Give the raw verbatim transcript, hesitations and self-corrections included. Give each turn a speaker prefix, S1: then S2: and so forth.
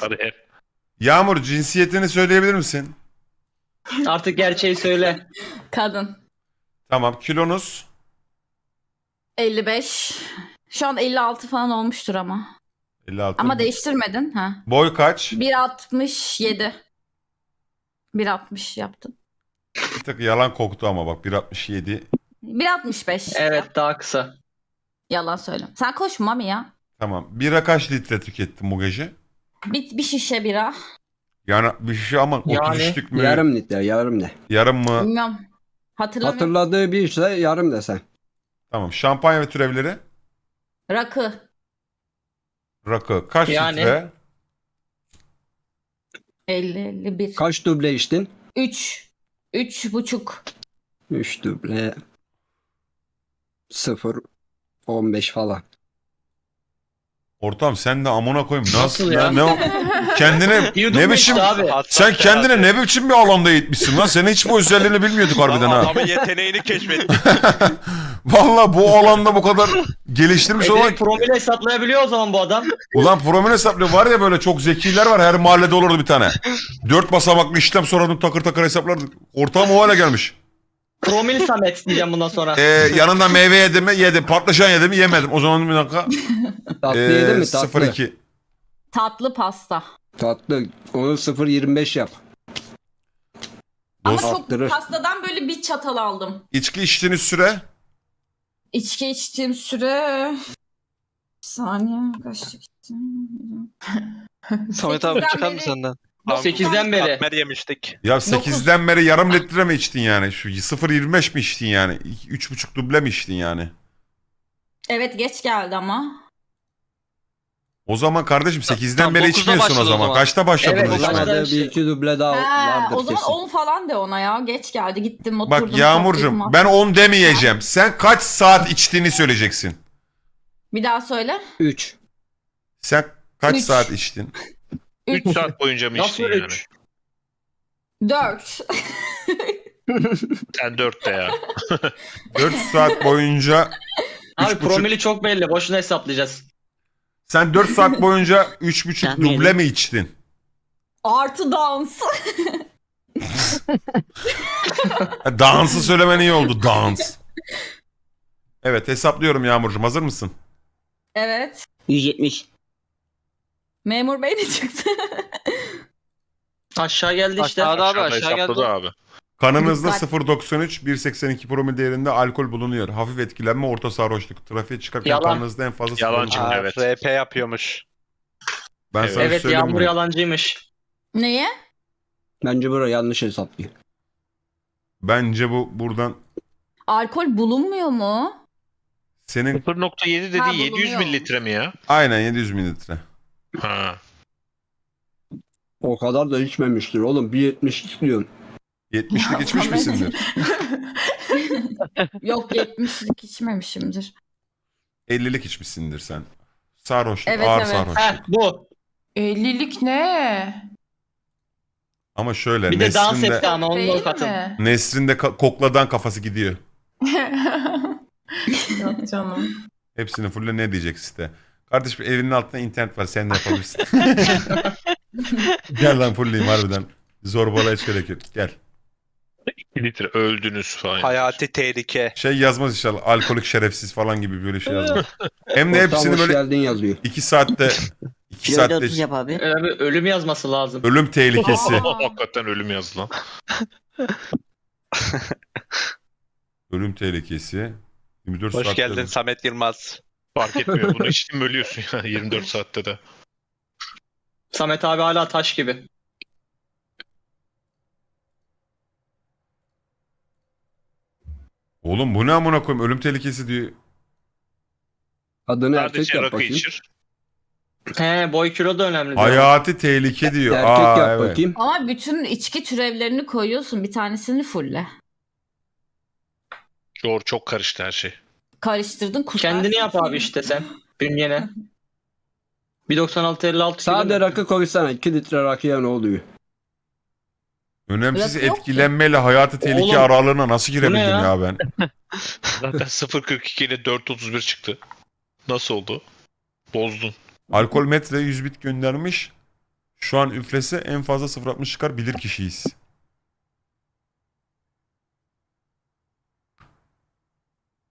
S1: Kariyer.
S2: Yağmur, cinsiyetini söyleyebilir misin?
S3: Artık gerçeği söyle.
S4: Kadın.
S2: Tamam. Kilonuz?
S4: elli beş. Şu an elli altı falan olmuştur ama.
S2: elli altı.
S4: Ama değiştirmedin ha.
S2: Boy kaç?
S4: bir altmış yedi. bir altmış yaptın.
S2: Bir tık yalan koktu ama bak bir altmış yedi.
S4: bir altmış beş.
S3: Evet, daha kısa.
S4: Yalan söyle. Sen koşma Mami ya.
S2: Tamam. Bira kaç litre tükettin bu gece?
S4: Bir, bir şişe bira.
S2: Yani bir şey ama
S3: Yani
S2: otuz üçlük mü?
S5: Yarım litre, yarım ne?
S2: Yarım mı?
S4: Bilmiyorum. Hatırlamıyorum.
S5: Hatırladığı bir şey yarım desen.
S2: Tamam. Şampanya ve türevleri?
S4: Rakı.
S2: Rakı. Kaç
S3: Yani.
S2: litre?
S4: elli elli bir.
S5: Kaç duble içtin?
S4: üç. üç buçuk.
S5: üç duble. sıfır. on beş falan.
S2: Ortam sen de amına koyayım. Nasıl,
S3: Nasıl
S2: ya?
S3: ya?
S2: Ne, o- kendine
S3: Yudum
S2: ne
S3: mu
S2: biçim
S3: işte abi?
S2: sen kendine ne biçim bir alanda eğitmişsin lan? Senin hiç bu özelliğini bilmiyorduk harbiden ha.
S1: Adamın yeteneğini keşfettik.
S2: Vallahi bu alanda bu kadar geliştirmiş
S3: E
S2: olan
S3: direkt promil hesaplayabiliyor o zaman bu adam.
S2: ulan promil hesaplıyor var ya böyle çok zekiler var her mahallede olurdu bir tane. Dört basamaklı işlem sonra takır takır hesaplardık. Ortağım o hale gelmiş.
S3: Promil Samet diyeceğim bundan sonra.
S2: Ee, yanında meyve yedim mi? Yedim. Patlıcan yedim mi? Yemedim. O zaman bir dakika.
S5: Tatlı
S2: Ee,
S5: yedin mi? Tatlı.
S2: sıfır iki.
S4: Tatlı pasta.
S5: Tatlı. Onu sıfır yirmi beş yap.
S4: Ama
S2: Dost,
S4: çok
S5: Arttırır.
S4: pastadan böyle bir çatal aldım.
S2: içki içtiğiniz süre
S4: İçki içtiğim süre... Bir saniye. Kaçta içtim?
S6: Samet abi
S4: Sekizden
S6: çıkar mı
S4: beri-
S6: senden?
S3: sekizden beri.
S1: Katmer yemiştik.
S2: ya sekizden beri yarım litre mi içtin yani? Şu sıfır yirmi beş mi içtin yani? üç buçuk duble mi içtin yani?
S4: Evet geç geldi ama.
S2: O zaman kardeşim sekizden
S6: Tam
S2: beri
S6: dokuzda
S2: içmiyorsun o
S6: başladı o
S2: zaman.
S6: zaman.
S2: Kaçta başladınız
S3: Evet,
S2: içmeye?
S3: başladı.
S5: Başladı bir iki duble daha
S4: Ha,
S5: vardır
S4: o zaman
S5: kesin.
S4: on falan de ona ya. Geç geldi gittim oturdum.
S2: Bak Yağmurcuğum
S4: kalktım,
S2: ben on demeyeceğim. Sen kaç saat içtiğini söyleyeceksin.
S4: Bir daha söyle.
S5: üç.
S2: Sen kaç
S4: Üç.
S2: saat içtin?
S1: üç saat boyunca mı
S3: Nasıl
S1: içtin yani?
S3: üç?
S4: dört.
S1: Sen dörtte ya.
S2: dört saat boyunca
S3: Abi
S2: üç buçuk-
S3: promili çok belli. Boşuna hesaplayacağız.
S2: sen dört saat boyunca üç buçuk
S6: Ben
S2: duble
S6: yedim.
S2: mi içtin?
S4: Artı dans.
S2: Ha, Dansı söylemen iyi oldu. Dans. Evet hesaplıyorum Yağmurcuğum. Hazır mısın?
S4: Evet.
S6: yüz yetmiş.
S4: Memur bey de çıktı.
S3: Aşağı geldi işte.
S6: Aşağıda abi
S1: Aşağıda
S6: aşağı
S1: hesapladı
S6: geldi.
S1: abi.
S2: Kanınızda
S4: Dikkat.
S2: sıfır virgül doksan üç bir virgül seksen iki promil değerinde alkol bulunuyor. Hafif etkilenme, orta sarhoşluk. Trafiğe çıkarken
S3: Yalan.
S2: kanınızda en fazla
S1: Yalancı.
S2: sıfır virgül doksan üç.
S1: Evet.
S7: R P yapıyormuş.
S2: Ben
S1: Evet.
S2: sana
S3: Evet,
S2: söyleyeyim
S3: Yağmur
S2: mi?
S3: yalancıymış.
S4: Neye?
S5: Bence burası yanlış hesaplıyor.
S2: Bence bu buradan
S4: Alkol bulunmuyor mu?
S2: senin
S1: sıfır nokta yedi
S4: Ha,
S1: dediği yedi yüz
S4: bulunuyor.
S1: mililitre mi ya?
S2: aynen yedi yüz mililitre.
S1: Ha.
S5: O kadar da içmemiştir oğlum. bir yetmiş istiyorsun.
S2: yetmişlik
S4: Ya,
S2: içmiş
S4: Samet.
S2: misindir?
S4: Yok yetmişlik içmemişimdir.
S2: ellilik içmişsindir sen. Sarhoşluk,
S4: Evet,
S2: ağır
S4: evet.
S2: sarhoşluk.
S3: Heh bu.
S8: ellilik ne?
S2: Ama şöyle
S3: Bir de dans
S2: Nesrin'de,
S3: etti ama onun
S8: Değil
S3: o katın.
S8: mi?
S2: Nesrin'de ka- kokladan kafası gidiyor.
S8: Yok canım.
S2: Hepsini fulle ne diyecek site? Kardeşim evinin altında internet var sen de yapabilirsin. Gel lan fulleyim harbiden. Zorbalaya hiç gerek yok. Gel.
S1: iki litre öldünüz falan.
S7: Hayati tehlike.
S2: Şey yazmaz inşallah alkolik şerefsiz falan gibi böyle şey yazmaz. Hem de
S5: Ortam
S2: hepsini
S5: hoş
S2: böyle
S5: geldin yazıyor.
S2: iki saatte iki
S6: Kiloda
S2: saatte
S6: otuz yap abi.
S3: Öyle bir ölüm yazması lazım.
S2: ölüm tehlikesi.
S1: Hakikaten ölüm yazdı lan.
S2: Ölüm tehlikesi. yirmi dört
S7: Hoş
S2: saatte
S7: geldin
S2: ölüm.
S7: Samet Yılmaz.
S1: Fark etmiyor. Bunu içtin mi ölüyorsun ya yirmi dört saatte de.
S3: Samet abi hala taş gibi.
S2: Oğlum bu ne amına koyayım ölüm tehlikesi diyor.
S5: Adını erkek
S1: Sadece
S5: yap
S1: rakı
S5: bakayım.
S1: içir.
S3: He, boy kilo da önemli. diyor.
S2: Hayati tehlike diyor.
S5: Erkek
S2: Aa,
S5: yap
S2: evet.
S5: bakayım.
S4: Ama bütün içki türevlerini koyuyorsun. Bir tanesini fulle.
S1: Doğru çok karıştı her şey.
S4: Karıştırdın kusarsın.
S3: Kendini yap abi işte sen. Bünyene. bir doksan altı elli altı kilo
S5: Sade
S3: mu?
S5: rakı koysana. iki litre rakıya ne oluyor?
S2: Önemsiz
S4: Rakı yok ki.
S2: etkilenmeyle hayati tehlike
S3: Oğlum,
S2: aralığına nasıl girebildim
S3: ya?
S2: ya ben?
S1: Zaten sıfır virgül kırk iki ile dört virgül otuz bir çıktı. Nasıl oldu? Bozdun.
S2: Alkol metre yüz bit göndermiş. Şu an üflese en fazla sıfır altmış çıkar, bilir kişiyiz.